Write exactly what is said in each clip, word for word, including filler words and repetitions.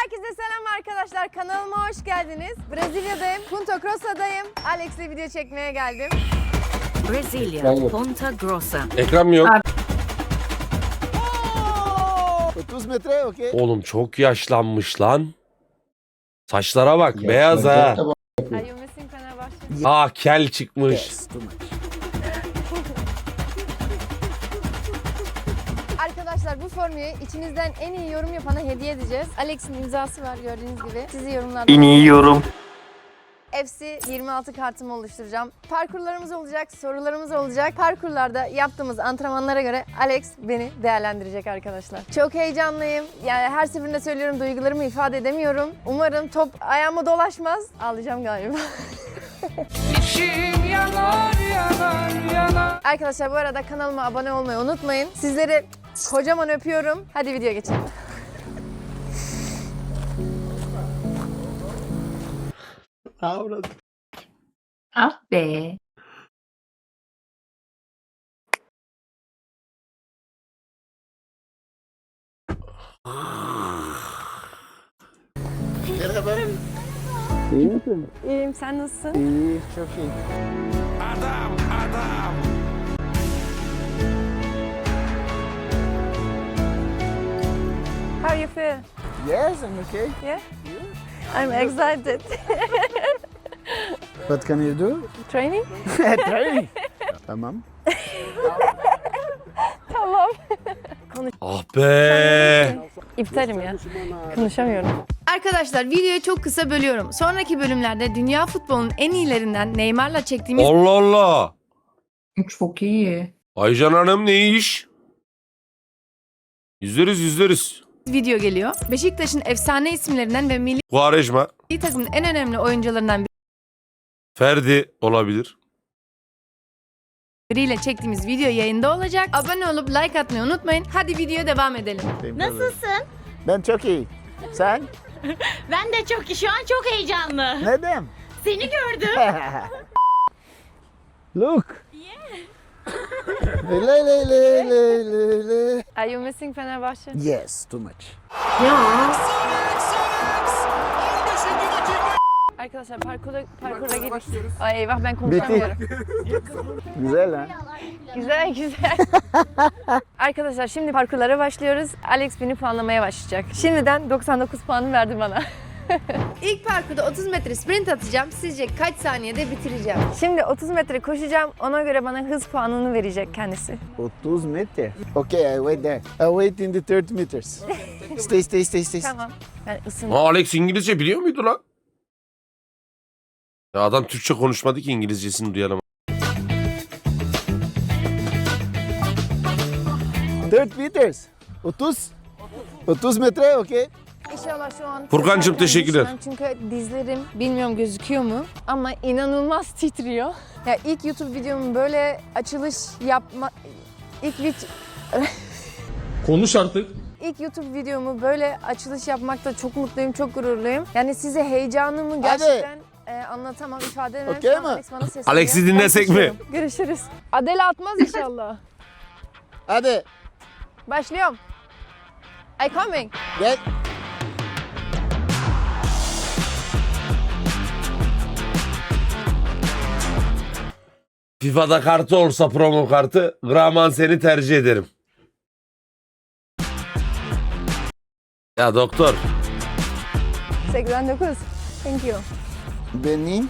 Herkese selam arkadaşlar. Kanalıma hoş geldiniz. Brezilya'dayım. Punta Grossa'dayım. Alex'le video çekmeye geldim. Brezilya, Ponta Grossa. Ekran mı yok? otuz metre, okey. Oğlum çok yaşlanmış lan. Saçlara bak, beyaz ha. Are you missing Fenerbahçe? Aa, kel çıkmış. Yes, too much. Arkadaşlar bu formuyu içinizden en iyi yorum yapana hediye edeceğiz. Alex'in imzası var gördüğünüz gibi. Sizi yorumlarda... İniyorum. F C yirmi altı kartımı oluşturacağım. Parkurlarımız olacak, sorularımız olacak. Parkurlarda yaptığımız antrenmanlara göre Alex beni değerlendirecek arkadaşlar. Çok heyecanlıyım. Yani her seferinde söylüyorum, duygularımı ifade edemiyorum. Umarım top ayağıma dolaşmaz. Ağlayacağım galiba. yanar, yanar, yanar. Arkadaşlar bu arada kanalıma abone olmayı unutmayın. Sizleri kocaman öpüyorum. Hadi videoya geçelim. Ahora. Ah be. Merhaba. İyi misin? İyiyim, sen nasılsın? İyi, çok iyi. How you feel? Yes, I'm okay. Yeah? I'm excited. What can you do? Training? Training. Tamam. Tamam. Ah be. İptalim ya. Konuşamıyorum. Arkadaşlar videoyu çok kısa bölüyorum. Sonraki bölümlerde dünya futbolunun en iyilerinden Neymar'la çektiğimiz Allah Allah. Çok iyi. Aycan Hanım ne iş? Yüzleriz yüzleriz. video geliyor. Beşiktaş'ın efsane isimlerinden ve milli Quaresma, takımın en önemli oyuncularından Ferdi olabilir. biriyle çektiğimiz video yayında olacak. Abone olup like atmayı unutmayın. Hadi videoya devam edelim. Nasılsın? Ben çok iyi. Sen? Ben de çok şu an çok heyecanlı. Neden? Seni gördüm. Look. Le le le le le le. Are you missing Fenerbahçe? Yes, too much. Arkadaşlar parkura, parkura girdik. Ay eyvah ben konuşamıyorum. Güzel ha? Güzel güzel. Arkadaşlar şimdi parkurlara başlıyoruz. Alex beni puanlamaya başlayacak. Şimdiden doksan dokuz puanı verdi bana. İlk parkurda otuz metre sprint atacağım. Sizce kaç saniyede bitireceğim? Şimdi otuz metre koşacağım. Ona göre bana hız puanını verecek kendisi. otuz metre. Okay, I wait there. I wait in the thirty meters. Stay, stay, stay, stay. Tamam. Ben ısındım. Aa, Alex İngilizce biliyor muydu lan? Ya adam Türkçe konuşmadı ki İngilizcesini duyalım. thirty meters. otuz. otuz metre, okay. İnşallah şu an... Furkancığım, teşekkürler. Çünkü dizlerim bilmiyorum gözüküyor mu ama inanılmaz titriyor. Ya ilk YouTube videomu böyle açılış yapma... İlk vid... Konuş artık. İlk YouTube videomu böyle açılış yapmakta çok mutluyum, çok gururluyum. Yani size heyecanımı gerçekten e, anlatamam, ifade edemem. Okey Şu an mi? Alex bana sesleniyor. Alex'i dinlesek Ben mi? kaçıyorum. Görüşürüz. Adele atmaz inşallah. Hadi. Başlıyorum. I coming. Gel. FIFA'da kartı olsa promo kartı, Graman seni tercih ederim. Ya doktor. seksen dokuz. Thank you. Benim.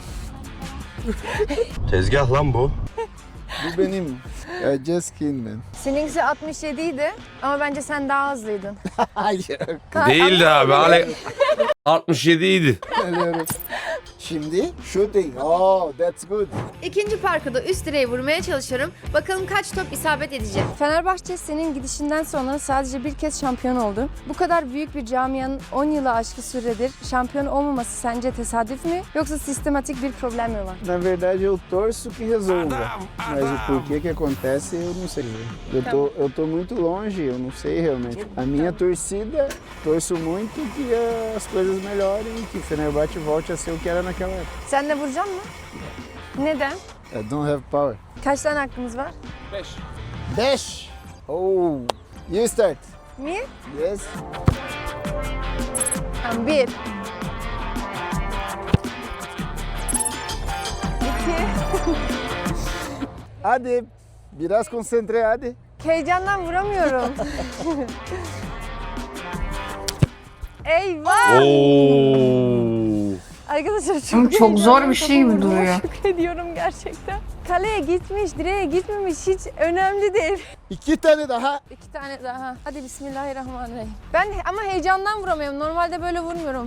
Tezgah lan bu. Bu benim. I just kidding man. Seninkisi altmış yedi idi ama bence sen daha hızlıydın. Hayır. Değildi abi. Alex altmış yedi idi. Geliyorum. Şimdi shooting. Oh, that's good. İkinci parkurda üst direğe vurmaya çalışıyorum. Bakalım kaç top isabet edecek. Fenerbahçe senin gidişinden sonra sadece bir kez şampiyon oldu. Bu kadar büyük bir camianın on yılı aşkı süredir şampiyon olmaması sence tesadüf mü yoksa sistematik bir problem mi var? Na verdade eu torço que resolva. Mas o porquê que acontece eu não sei. Eu tô, eu tô muito longe, eu não sei realmente. A minha torcida, torço muito que as coisas melhorem e que Fenerbahçe volte a ser o que era naquela época. Sen de vuracaksın mı? Neden? I don't have power. Kaç tane hakkımız var? Dash! Oh, you start. Me? Yes. doksan bir. iki. Hadi. Biraz konsantre hadi. Heyecandan vuramıyorum. Eyvah! Oo. Arkadaşlar çok, Oğlum çok zor heyecanlıyım. bir şey gibi Topu vurduğuma duruyor. Şükrediyorum gerçekten. Kaleye gitmiş, direğe gitmemiş hiç önemli değil. İki tane daha. İki tane daha. Hadi bismillahirrahmanirrahim. Ben ama heyecandan vuramıyorum. Normalde böyle vurmuyorum.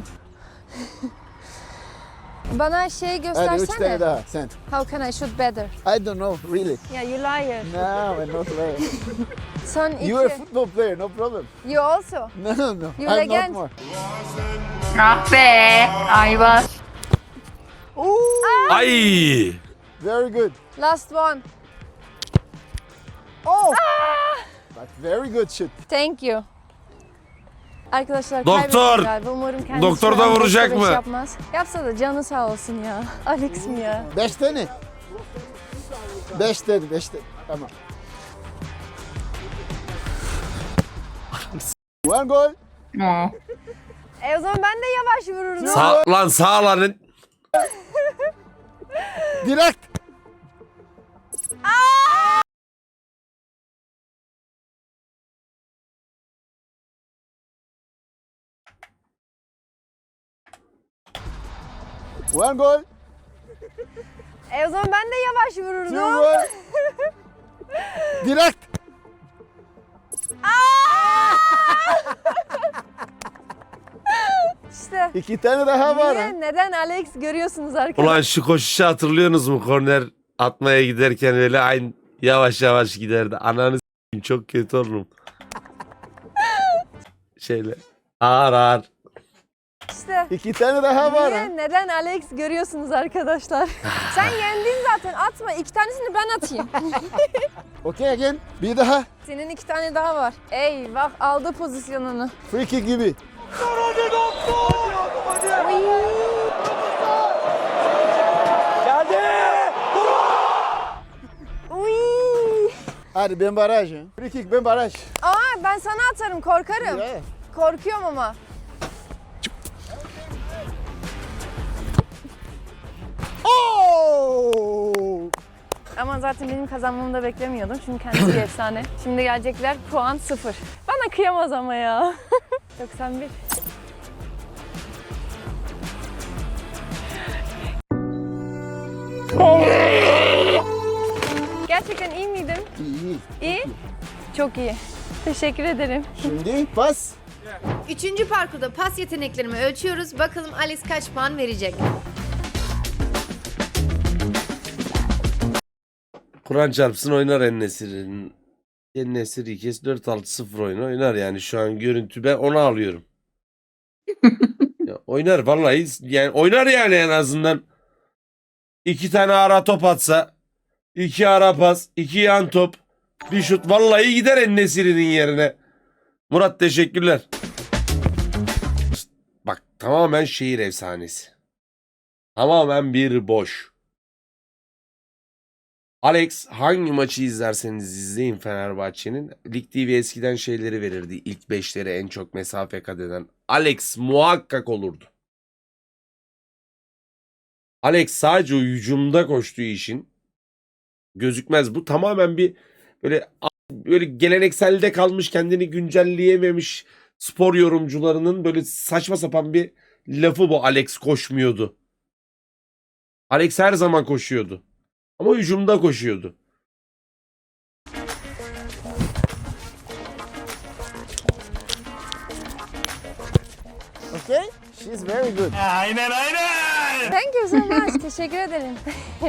Bana şey Hadi üç göstersene. tane daha. Sen. How can I shoot better? I don't know really. Yeah, you liar. No, I'm not player. Son iki. You are a football player, no problem. You also. No, no, no. You I'm legend. not more. Ah be. Ayvaz. Ooh, Ay. very good. Last one. Oh! But very good shoot. Thank you. Arkadaşlar Doktor! kaybettim galiba. Umarım kendisi Doktor şu da an vuracak doktor iş mı? Yapmaz. Yapsa da canı sağ olsun ya. Alex mi ya? Beş tane. Beş tane, beş tane. Tamam. One goal. Oh. E o zaman ben de yavaş vururdum. Sağ, lan sağ lan. Direkt. One goal. E o zaman ben de yavaş Two vururdum. goal. Direkt. İşte. İki tane daha var. ha. Niye? Neden Alex görüyorsunuz arkadaşlar? Ulan şu koşuşu hatırlıyorsunuz mu? Korner atmaya giderken öyle aynı yavaş yavaş giderdi. Ananı s**eyim, çok kötü olurum. Şöyle ağır ağır. İşte. İki tane daha var. ha. Niye? Neden Alex görüyorsunuz arkadaşlar? Sen yendin zaten, atma. İki tanesini ben atayım. Okay again. Bir daha. Senin iki tane daha var. Eyvah, aldı pozisyonunu. Free kick gibi. Uy. Hadi ben baraj. ha. Free kick ben baraj. Aa, ben sana atarım, korkarım. Yeah. Korkuyorum ama. Oh! Ama zaten benim kazanmamı da beklemiyordum. Çünkü kendisi bir efsane. Şimdi gelecekler puan sıfır. Bana kıyamaz ama ya. doksan bir. Gerçekten iyi miydim? İyi. İyi. Çok iyi. Teşekkür ederim. Şimdi pas. Üçüncü parkurda pas yeteneklerimi ölçüyoruz. Bakalım Alex kaç puan verecek? Kur'an çarpsın oynar En-Nesyri'nin. En-Nesyri iki kez dört altı sıfır oyunu oynar yani şu an görüntü ben onu alıyorum. Ya oynar vallahi yani oynar yani en azından. İki tane ara top atsa, iki ara pas, iki yan top, bir şut vallahi gider En-Nesyri'nin yerine. Murat teşekkürler. Bak tamamen şehir efsanesi. Tamamen bir boş. Alex hangi maçı izlerseniz izleyin Fenerbahçe'nin. Lig T V eskiden şeyleri verirdi. İlk beşleri en çok mesafe kat eden. Alex muhakkak olurdu. Alex sadece o hücumda koştuğu için gözükmez. Bu tamamen bir böyle böyle gelenekselde kalmış kendini güncelleyememiş spor yorumcularının böyle saçma sapan bir lafı bu. Alex koşmuyordu. Alex her zaman koşuyordu. Ama hücumda koşuyordu. Okay? She's very good. Thank you so much. Teşekkür ederim.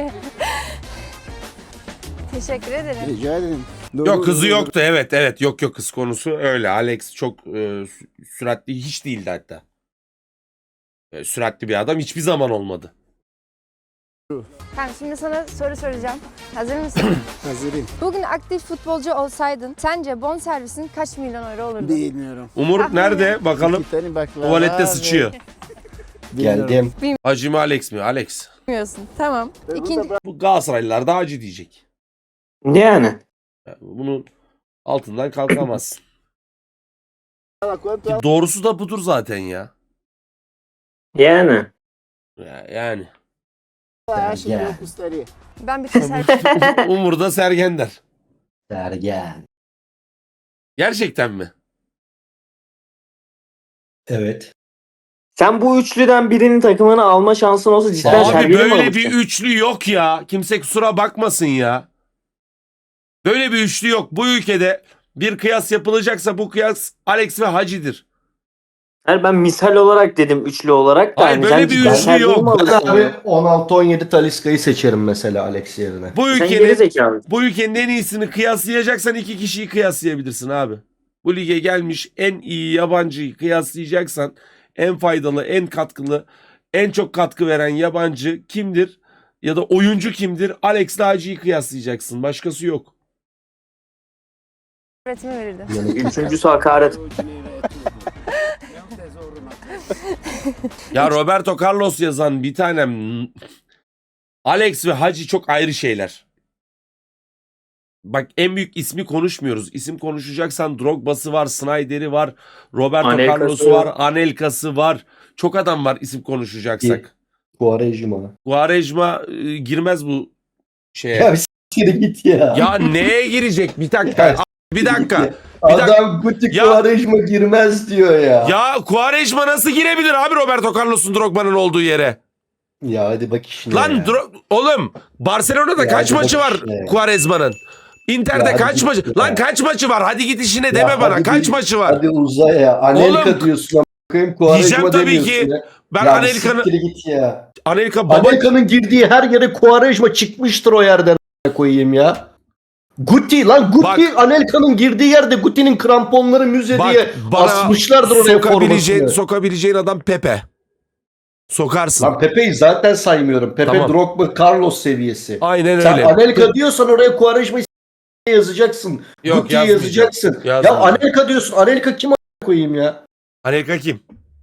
Teşekkür ederim. Rica ederim. Yok kızı yoktu evet evet yok yok kız konusu öyle. Alex çok e, sü- süratli hiç değildi hatta. E, süratli bir adam hiçbir zaman olmadı. Tamam, şimdi sana soru soracağım. Hazır mısın? Hazırım. Bugün aktif futbolcu olsaydın sence bonservisin kaç milyon euro olurdu? Bilmiyorum. Umur Tahmin nerede bakalım. İki tane baklava Tuvalette ve- sıçıyor. Bilmiyorum. Hacı mı Alex mi? Alex. Bilmiyorsun. Tamam. Öbürü de İkinci, bak- Bu Galatasaraylılar da Hacı diyecek. Yani. Yani bunun altından kalkamazsın. Quanto Ki doğrusu da budur zaten ya. Yani. Ya- Yani. Acha que eu custaria? Ben bir teselli Umur'da Sergender. Sergen. Gerçekten mi? Evet. Sen bu üçlüden birinin takımını alma şansın olsa cidden Abi Sergen'i mi böyle alırsın? bir üçlü yok ya. Kimse kusura bakmasın ya. Böyle bir üçlü yok. Bu ülkede bir kıyas yapılacaksa bu kıyas Alex ve Hacı'dır. Hayır, ben misal olarak dedim üçlü olarak da. Hayır, hani böyle sen bir cidden üçlü Sergen'i yok. mi Ben alırsın abi ya? on altı on yedi Talisca'yı seçerim mesela Alex yerine. Bu Sen ülkenin geri zekalı. bu ülkenin en iyisini kıyaslayacaksan iki kişiyi kıyaslayabilirsin abi. Bu lige gelmiş en iyi yabancıyı kıyaslayacaksan en faydalı, en katkılı, en çok katkı veren yabancı kimdir? Ya da oyuncu kimdir? Alex ile Hacı'yı kıyaslayacaksın. Başkası yok. öğretime verirdim. Yani Üçüncüsü hakaret. Ya Roberto Carlos yazan bir tanem Alex ve Hacı çok ayrı şeyler. Bak en büyük ismi konuşmuyoruz. İsim konuşacaksan Drogba'sı var, Snyder'i var, Roberto Anelka'sı. Carlos'u var, Anelka'sı var. Çok adam var isim konuşacaksak. Quaresma. Quaresma e, girmez bu şeye. Ya bir s**kire git ya. Ya neye girecek? Bir dakika. Ya, Bir dakika. Bir dakika. Adam Guti Ya- Quaresma girmez diyor ya. Ya Quaresma nasıl girebilir abi Roberto Carlos'un Drogba'nın olduğu yere? Ya hadi bak işine Lan ya. Dro- oğlum Barcelona'da Ya kaç hadi maçı bak var işine ya. Quaresma'nın? Inter'de Ya hadi kaç git maçı? ya. Lan kaç maçı var? Hadi git işine Ya deme bana. hadi Kaç bir- maçı var? Hadi uza ya. Anelka Oğlum, diyorsun. Bakayım diyeceğim Quaresma tabii demiyorsun ki. ya. Ben Ya Anelka'nın siktir git ya. Anelka baba Anelka'nın girdiği her yere Quaresma çıkmıştır o yerden a**ına koyayım ya. Guti lan Guti Bak. Anelka'nın girdiği yerde Guti'nin kramponları müze bak diye bana asmışlardır oraya sokabileceğin, formasını. sokabileceğin adam Pepe. Sokarsın. Lan Pepe'yi zaten saymıyorum. Pepe Tamam. Drogba Carlos seviyesi. Aynen Sen öyle. Anelka diyorsan oraya Quaresma'yı s- yazacaksın. Yok, Guti'yi yazmayacağım. yazacaksın. Ya Yazmayacağım. Anelka diyorsun. Anelka kim a**ına koyayım ya? Anelka kim?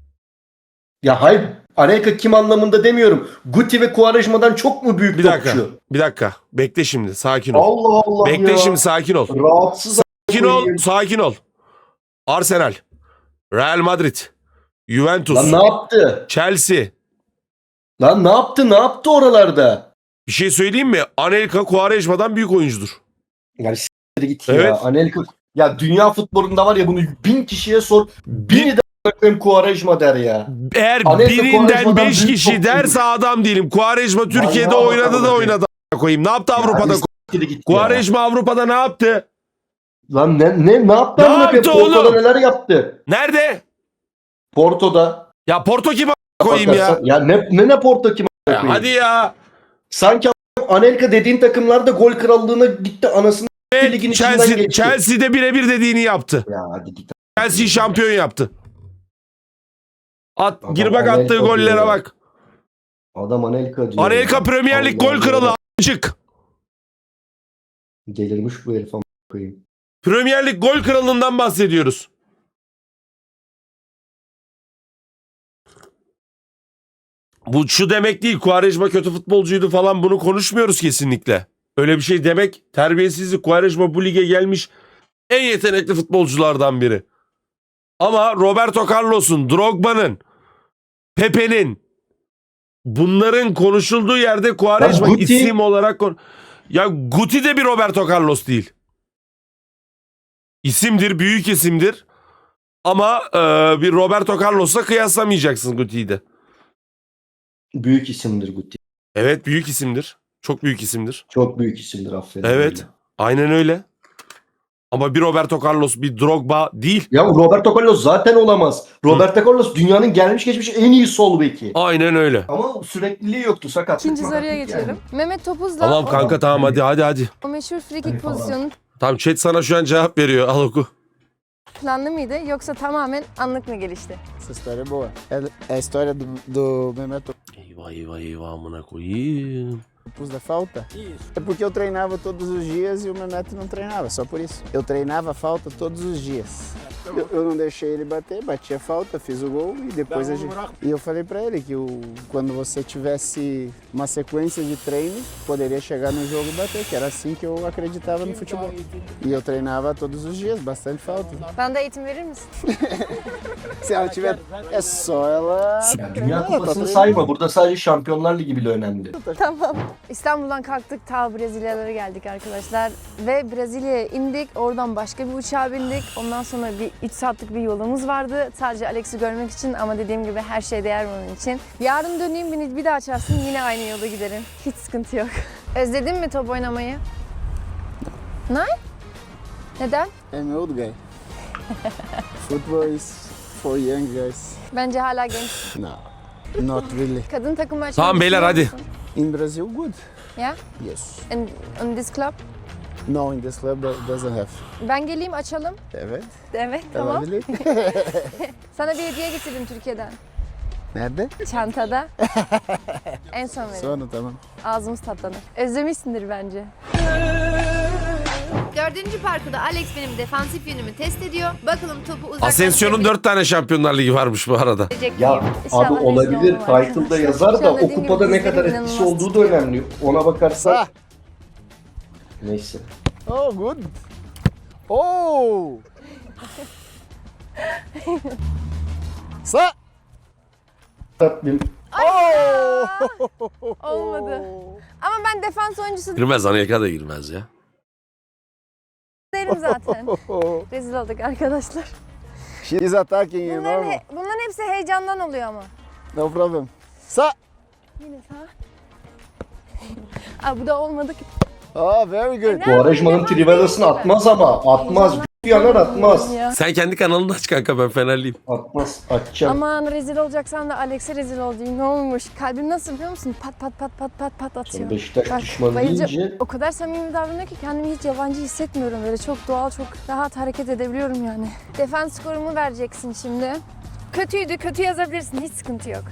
Ya hayır. Anelka kim anlamında demiyorum. Guti ve Quaresma'dan çok mu büyük Bir dakika. topçu? Bir dakika. Bekle şimdi. Sakin ol. Allah Allah Bekle ya. şimdi sakin ol. Rahatsız Sakin ol. koyayım. Sakin ol. Arsenal. Real Madrid. Juventus. Lan ne yaptı? Chelsea. Lan ne yaptı? Ne yaptı oralarda? Bir şey söyleyeyim mi? Anelka Quaresma'dan büyük oyuncudur. Yani s**tir git Evet. ya. Anelka ya dünya futbolunda var ya bunu bin kişiye sor. Bini de a**ına Quaresma der ya. Eğer Anelka birinden Quaresma'dan beş büyük kişi topçudur. derse adam değilim. Quaresma Türkiye'de ya, oynadı da bakalım. oynadı. a**ına koyayım. Ne yaptı Avrupa'da? Ya, s**tir git ya. Quaresma Avrupa'da ne yaptı? Lan ne ne ne yaptı? Ne amına yaptı koyayım? Porto'da oğlum? neler yaptı? Nerede? Porto'da. Ya Porto kim a**ına koyayım ya? Bakarsan- Ya ne ne ne Porto kim a**ına Ya koyayım? hadi ya. Sanki a**ına Anelka dediğin takımlarda gol krallığına gitti anasını Ve ligin içinden Chelsea, geçti. Chelsea'de birebir dediğini yaptı. Ya hadi git. Chelsea şampiyon yaptı. At, Adam gir bak Anelka attığı gollere diyor. bak. Adam Anelka diyor. Anelka ya. Premier Lig Allah gol kralı Allah. a**cık. Delirmiş bu herif a**ına koyayım. Premier Lig gol kralından bahsediyoruz. Bu şu demek değil. Quaresma kötü futbolcuydu falan bunu konuşmuyoruz kesinlikle. Öyle bir şey demek terbiyesizlik. Quaresma bu lige gelmiş en yetenekli futbolculardan biri. Ama Roberto Carlos'un, Drogba'nın, Pepe'nin bunların konuşulduğu yerde Quaresma Ya Guti- isim olarak kon- ya Guti de bir Roberto Carlos değil. İsimdir, büyük isimdir. Ama e, bir Roberto Carlos'la kıyaslamayacaksın Guti'yi de. Büyük isimdir Guti. Evet, büyük isimdir. Çok büyük isimdir. Çok büyük isimdir aferin. Evet. öyle. Aynen öyle. Ama bir Roberto Carlos, bir Drogba değil. Ya Roberto Carlos zaten olamaz. Roberto Carlos dünyanın gelmiş geçmiş en iyi sol beki. Aynen öyle. Ama sürekliliği yoktu sakat. İkinci soruya geçelim. Mehmet Topuz'la Tamam o, kanka tamam hadi hadi hadi. o meşhur free Hadi kick falan. pozisyonu Tamam chat sana şu an cevap veriyor. Al oku. planlı mıydı yoksa tamamen anlık mı gelişti? Essa história é boa. É, é a história do, do Mehmet Eyvah eyvah eyvah amına koyayım. Topuz da falta? Isso. É porque eu treinava todos os dias e o Mehmet não treinava, só por isso. Eu treinava falta todos os dias. Eu, eu não deixei ele bater, bati a falta, fiz o gol e depois a gente... E eu falei pra ele que o, quando você tivesse uma sequência de treinos, poderia chegar no jogo e bater, que era assim que eu acreditava no futebol. E eu treinava todos os dias, bastante falta. Bana da eğitim verir misin? Se ela tiver... É só ela... Ya Dünya Ela tá Kupası'nı treinando. sayma. Burada sadece Şampiyonlar Ligi bile önemli. Tamam. İstanbul'dan kalktık, ta Brezilyalara geldik arkadaşlar. Ve Brezilya'ya indik. Oradan başka bir uçağa bindik. Ondan sonra bir üç saatlik bir yolumuz vardı. Sadece Alex'i görmek için ama dediğim gibi her şey değer bunun için. Yarın döneyim, beni bir daha açarsın, yine aynı yolda giderim. Hiç sıkıntı yok. Özledin mi top oynamayı? Ne? Neden? I'm old guy. Football is for young guys. Bence hala genç. No, not really. Kadın takımı açmayı Tamam beyler, düşünüyor hadi. musun? In Brazil, good. Ya? Yes. In, in this club? No, in this club that doesn't have. Ben geleyim, açalım. Evet. Evet, tamam. Olabilir. Sana bir hediye getirdim Türkiye'den. Nerede? Çantada. En son vereyim. Sonra tamam. Ağzımız tatlanır. Özlemişsindir bence. Dördüncü parkurda Alex benim defansif yönümü test ediyor. Bakalım topu uzaktan... Asensio'nun dört tane Şampiyonlar Ligi varmış bu arada. Ya abi olabilir. Title'da yazar da o kupada ne kadar etkisi olduğu da önemli. Ona bakarsak... Sağ. Neyse. Oh, good. Oh! Sağ. Tatlım. Oh! Olmadı. Ama ben defans oyuncusu Girmez, Anelka da girmez ya. değilim zaten. Rezil olduk arkadaşlar. She's attacking you Bunların, normal. he- bunların hepsi heyecandan oluyor ama. No problem. Sağ. Yine sağ. Aa, bu da olmadı ki. Oh, very good. Quaresma'nın Trivelas'ını atmaz ama. Atmaz. Bir yanar atmaz. Ya. Sen kendi kanalını aç kanka, ben Fenerliyim. Atmaz. Atacağım. Aman rezil olacaksan da Alex'e rezil ol diyeyim. Ne olmuş? Kalbim nasıl biliyor musun? Pat pat pat pat pat pat atıyor. Sen Beşiktaş Bak, düşmanı bayılacağım. deyince... O kadar samimi davranıyor ki kendimi hiç yabancı hissetmiyorum. Böyle çok doğal, çok rahat hareket edebiliyorum yani. Defans skorumu vereceksin şimdi. Kötüydü, kötü yazabilirsin. Hiç sıkıntı yok.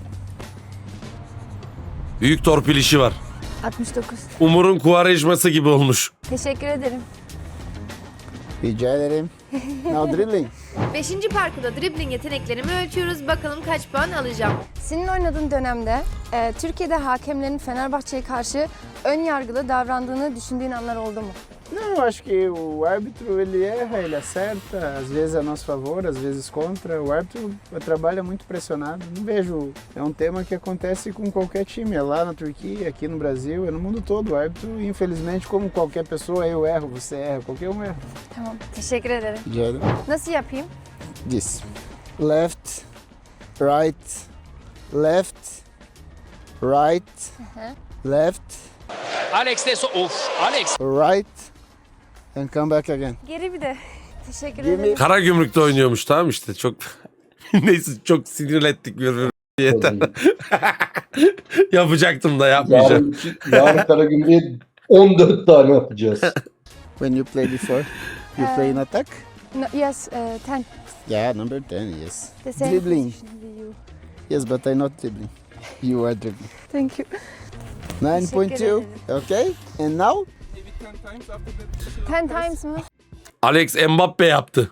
Büyük torpil işi var. altmış dokuz. Umur'un Quaresma'sı gibi olmuş. Teşekkür ederim. Rica ederim. Now dribbling. Beşinci parkurda dribbling yeteneklerimi ölçüyoruz. Bakalım kaç puan alacağım. Senin oynadığın dönemde e, Türkiye'de hakemlerin Fenerbahçe'ye karşı ön yargılı davrandığını düşündüğün anlar oldu mu? Não, acho que o árbitro ele erra, ele acerta, às vezes a nosso favor, às vezes contra. O árbitro trabalha muito pressionado. Não vejo. É um tema que acontece com qualquer time, é lá na Turquia, aqui no Brasil, é no mundo todo. O árbitro, infelizmente, como qualquer pessoa, eu erro, você erra, qualquer um erra. Tamam, teşekkür ederim. Rica ederim. Nasıl yapayım? This. Left, right, left, right, left, Alex de so of Alex. right, and come back again. Geri bir de. Teşekkür Give me- ederim. Karagümrük'te oynuyormuş, tamam işte, çok neyse, çok sinirlettik birbirimizi. Yeter. Yapacaktım da yapmayacağım. Yarın, yarın Karagümrük'e on dört tane atacağız. When you play before, you play in attack? No, yes, uh, ten. Yeah, number ten, yes. The same Dribbling. position with you. Yes, but I'm not dribbling. You are dribbling. Thank you. nine point two, okay? And now? Ten times mı? Alex Mbappe yaptı.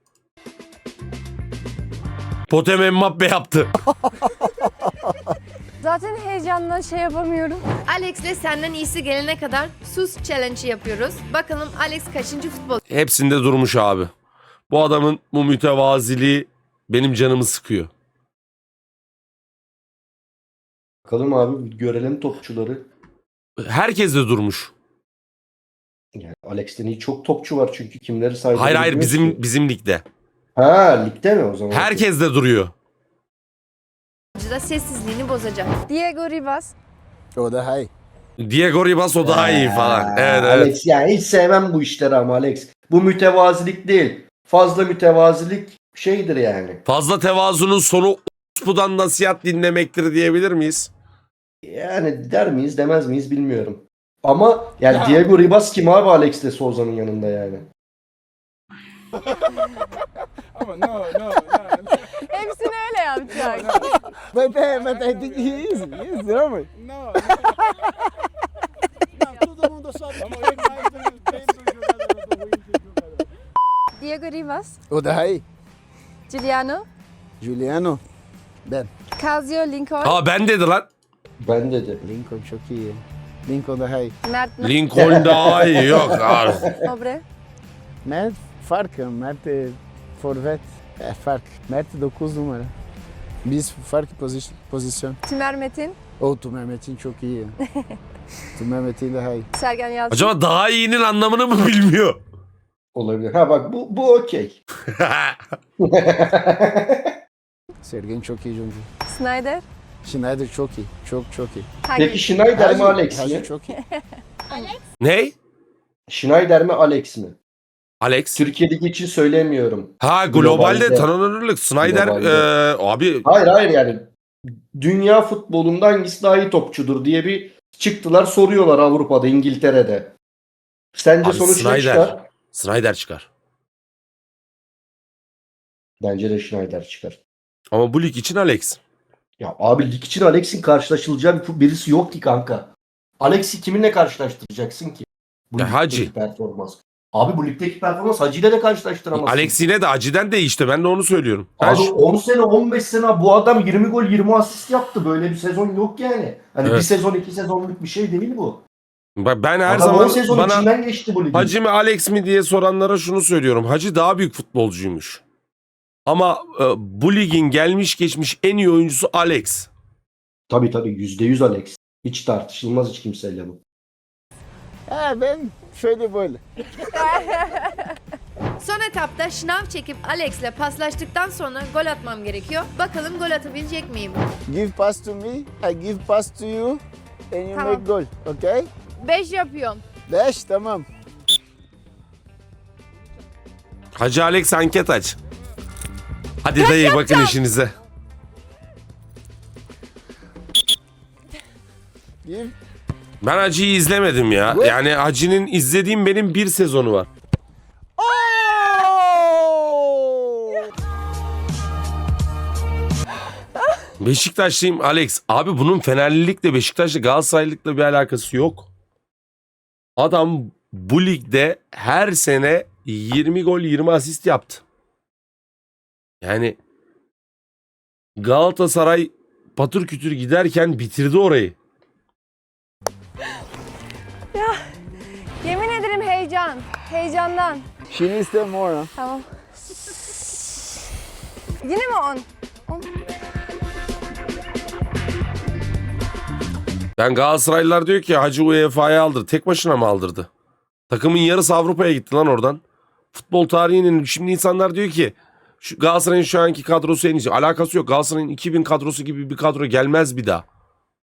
Potem Mbappe yaptı. Zaten heyecandan şey yapamıyorum. Alex'le senden iyisi gelene kadar sus challenge yapıyoruz. Bakalım Alex kaçıncı futbol Hepsinde durmuş abi. Bu adamın bu mütevaziliği benim canımı sıkıyor. Bakalım abi, görelim topçuları. Herkes de durmuş. Yani Alex'ten iyi çok topçu var çünkü kimleri saydı. Hayır hayır, bilmiyoruz bizim ki. bizim ligde. Ha, ligde mi o zaman? Herkes de duruyor. da sessizliğini bozacak. Diego Ribas. O da hay. Diego Ribas o daha iyi falan. Evet evet. Alex, yani hiç sevmem bu işleri ama Alex. Bu mütevazilik değil. Fazla mütevazilik şeydir yani. Fazla tevazunun sonu Uspu'dan nasihat dinlemektir diyebilir miyiz? Yani der miyiz demez miyiz bilmiyorum. Ama yani Diego Ribas kim abi Alex de Souza'nın yanında yani. Ama no no no. Hepsini öyle yapacak. But, uh, but I think he is. He is, normal. No. Não, todo mundo sabe. Vamos ver mais bem do jogador do Corinthians. Diego Ribas. O da hay. Giuliano, Juliano. Ben. Casio, Lincoln, Aa ben dedi lan. Ben dedi. Lincoln çok iyi. Lincoln daha iyi. Mert, Lincoln daha iyi yok abi. Obre, Mert farkı. Mert e, forvet. E, fark. Mert dokuz numara. Biz farklı pozisyon. pozisyon. Tümer Metin, O Tümer Metin çok iyi. Tümer Metin daha iyi. Sergen Yalçın, Acaba daha iyinin anlamını mı bilmiyor? Olabilir. Ha bak bu bu okey. Sergen çok iyi oyuncu. Snyder, Schneider çok iyi. Çok çok iyi. Peki Hagi, Schneider mi Alex Hagi mi? çok iyi. Ne? Schneider mi Alex mi? Alex. Türkiye'deki için söylemiyorum. Ha globalde, Globalde. tanınırlık. Snyder Globalde. e, abi Hayır hayır yani dünya futbolunda hangisi daha iyi topçudur diye bir çıktılar soruyorlar Avrupa'da, İngiltere'de. Sence Abi sonuç ne Snyder. çıkar? Snyder çıkar. Bence de Schneider çıkar. Ama bu lig için Alex. Ya abi lig için Alex'in karşılaşılacağı bir- birisi yok ki kanka. Alex'i kiminle karşılaştıracaksın ki? Bu Ya ligdeki Hacı. performans. Abi bu ligdeki performans Hacı ile de karşılaştıramazsın. Alex yine de aciden değişti. Ben de onu söylüyorum. Ben Abi şu- on sene on beş sene bu adam yirmi gol yirmi asist yaptı. Böyle bir sezon yok yani. Hani Evet. bir sezon iki sezonluk bir şey değil bu. Bak ben her Adam on zaman sezon bana içinden geçti bu ligin. Hacı mi Alex mi diye soranlara şunu söylüyorum. Hacı daha büyük futbolcuymuş. Ama e, bu ligin gelmiş geçmiş en iyi oyuncusu Alex. Tabii tabii yüzde yüz Alex. Hiç tartışılmaz hiç kimseyle bu. Ha ben şöyle böyle. Son etapta şınav çekip Alex'le paslaştıktan sonra gol atmam gerekiyor. Bakalım gol atabilecek miyim? Give pass to me, I give pass to you and you Tamam. make goal. Okay? beş yapıyorum. Beş tamam. Hacı Alex anket aç. Hadi dayı bakın işinize. Give. Ben Hacı'yı izlemedim ya. What? Yani Hacı'nın izlediğim benim bir sezonu var. Oh! Beşiktaşlıyım Alex. Abi bunun Fenerlilikle Beşiktaş'la Galatasaraylılıkla bir alakası yok. Adam bu ligde her sene yirmi gol yirmi asist yaptı. Yani Galatasaray patır kütür giderken bitirdi orayı. Yemin ederim heyecan. Heyecandan. She needs them more. Huh? Tamam. Yine mi on? Ben Galatasaraylılar diyor ki Hacı U E F A'ya aldırdı. Tek başına mı aldırdı? Takımın yarısı Avrupa'ya gitti lan oradan. Futbol tarihinin şimdi insanlar diyor ki şu Galatasaray'ın şu anki kadrosu en iyisi. Alakası yok. Galatasaray'ın iki bin kadrosu gibi bir kadro gelmez bir daha.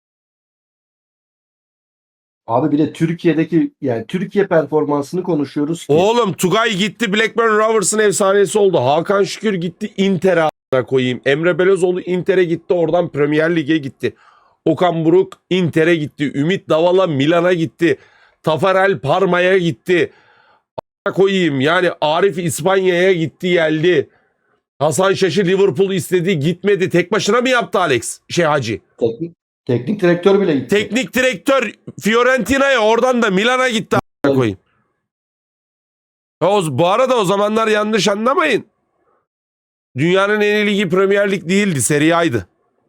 Abi bir de Türkiye'deki yani Türkiye performansını konuşuyoruz ki. Oğlum Tugay gitti Blackburn Rovers'ın efsanesi oldu. Hakan Şükür gitti Inter'e a**ına koyayım. Emre Belözoğlu Inter'e gitti, oradan Premier Lig'e gitti. Okan Buruk Inter'e gitti. Ümit Davala Milan'a gitti. Tafarel Parma'ya gitti. A**ına koyayım yani Arif İspanya'ya gitti geldi. Hasan Şaş'ı Liverpool istedi gitmedi. Tek başına mı yaptı Alex? Şey Hacı. Teknik, teknik direktör bile gitti. Teknik direktör Fiorentina'ya oradan da Milan'a gitti a**ına koyayım. Ya o, bu arada o zamanlar yanlış anlamayın. Dünyanın en iyi ligi Premier Lig değildi. Serie A'ydı.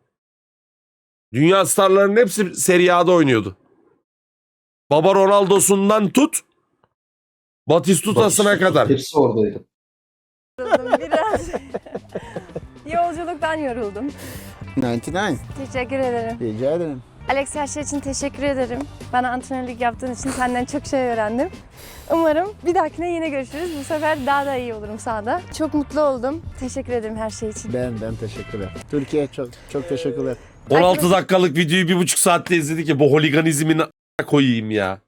Dünya starlarının hepsi Serie A'da oynuyordu. Baba Ronaldo'sundan tut Batistuta'sına kadar. Hepsi oradaydı. Yoruldum biraz. Yolculuktan yoruldum. doksan dokuz. Teşekkür ederim. Rica ederim. Alex her şey için teşekkür ederim. Bana antrenörlük yaptığın için senden çok şey öğrendim. Umarım bir dahakine yine görüşürüz. Bu sefer daha da iyi olurum sahada. Çok mutlu oldum. Teşekkür ederim her şey için. Ben ben teşekkürler. Türkiye çok çok teşekkürler. on altı dakikalık videoyu bir buçuk saatte izledik ya bu holiganizmin a**ına koyayım ya.